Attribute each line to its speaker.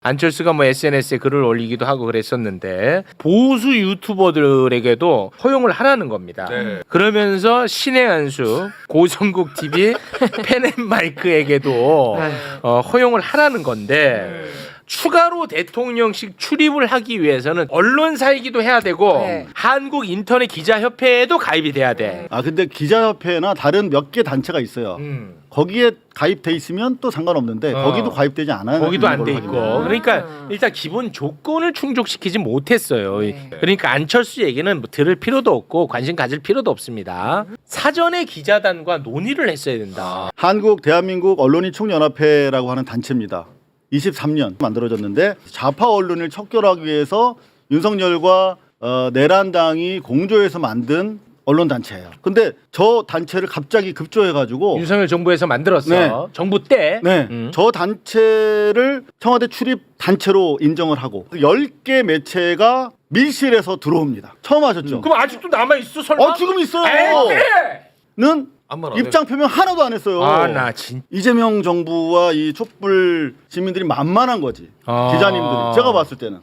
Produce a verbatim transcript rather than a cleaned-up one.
Speaker 1: 안철수가 뭐 에스엔에스에 글을 올리기도 하고 그랬었는데 보수 유튜버들에게도 허용을 하라는 겁니다.
Speaker 2: 네.
Speaker 1: 그러면서 신의 한수 고성국 티비 펜앤마이크에게도 어, 허용을 하라는 건데 추가로 대통령실 출입을 하기 위해서는 언론사이기도 해야 되고
Speaker 3: 네.
Speaker 1: 한국 인터넷 기자협회에도 가입이 돼야 돼.
Speaker 4: 아 근데 기자협회나 다른 몇 개 단체가 있어요.
Speaker 1: 음.
Speaker 4: 거기에 가입돼 있으면 또 상관없는데
Speaker 1: 어.
Speaker 4: 거기도 가입되지 않아요.
Speaker 1: 거기도 안 돼
Speaker 4: 걸로
Speaker 1: 있고
Speaker 4: 확인해요.
Speaker 1: 그러니까 일단 기본 조건을 충족시키지 못했어요.
Speaker 3: 네.
Speaker 1: 그러니까 안철수 얘기는 뭐 들을 필요도 없고 관심 가질 필요도 없습니다. 사전에 기자단과 논의를 했어야 된다.
Speaker 4: 한국 대한민국 언론인 총연합회라고 하는 단체입니다. 이십삼 년 만들어졌는데 좌파 언론을 척결하기 위해서 윤석열과 어, 내란당이 공조해서 만든 언론 단체예요. 근데 저 단체를 갑자기 급조해가지고
Speaker 1: 윤석열 정부에서 만들었어.
Speaker 4: 네.
Speaker 1: 정부 때.
Speaker 4: 네,
Speaker 1: 음.
Speaker 4: 저 단체를 청와대 출입 단체로 인정을 하고 열 개 매체가 밀실에서 들어옵니다. 처음 하셨죠?
Speaker 1: 그럼 아직도 남아 있어 설마?
Speaker 4: 어 지금 있어요.
Speaker 1: 에이,
Speaker 4: 는
Speaker 2: 아무 말 안
Speaker 4: 입장 표명 하나도 안 했어요.
Speaker 1: 아, 나 진.
Speaker 4: 이재명 정부와 이 촛불 시민들이 만만한 거지.
Speaker 1: 아.
Speaker 4: 기자님들이 제가 봤을 때는